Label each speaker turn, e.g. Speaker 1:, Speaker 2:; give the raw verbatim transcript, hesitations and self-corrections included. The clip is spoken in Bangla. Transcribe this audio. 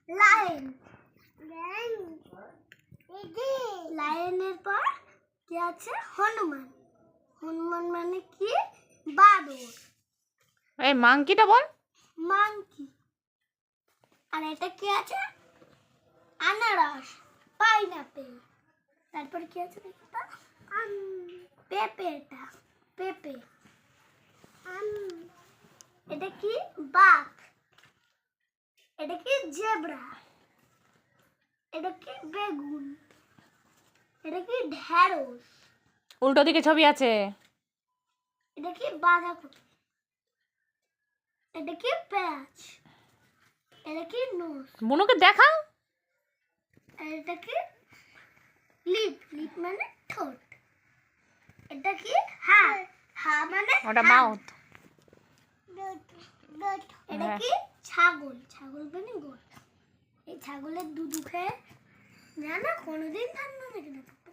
Speaker 1: লায়ন লায়নের পর কি আছে? হনুমান। হনুমান মানে কি? বাদর।
Speaker 2: এই মাংকিটা বল।
Speaker 1: মাংকি। আর এটা কি আছে? আনারস, পাইনাপেল। তারপর কি আছে এটা? পেঁপে। এটা পেঁপে। এটা কি? বাঘ। এটা কি? জেব্রা। এটা কি? বেগুন। এটা কি? ঢেঁড়স।
Speaker 2: উল্টো দিকে ছবি আছে।
Speaker 1: এটা কি? বাঁধাকপি। এটা কি? পেঁয়াজ। এটা কি? নোস।
Speaker 2: বুনুকে দেখাও।
Speaker 1: এটা কি? লিপ। লিপ মানে ঠোঁট। এটা কি? হা। হা মানে
Speaker 2: ওটা মাউথ।
Speaker 1: এটা কি? ছাগল। ছাগল মানে গোট। এই ছাগলের দুধ খেয়ে না না কোনোদিন ঠান্ডা লাগে না।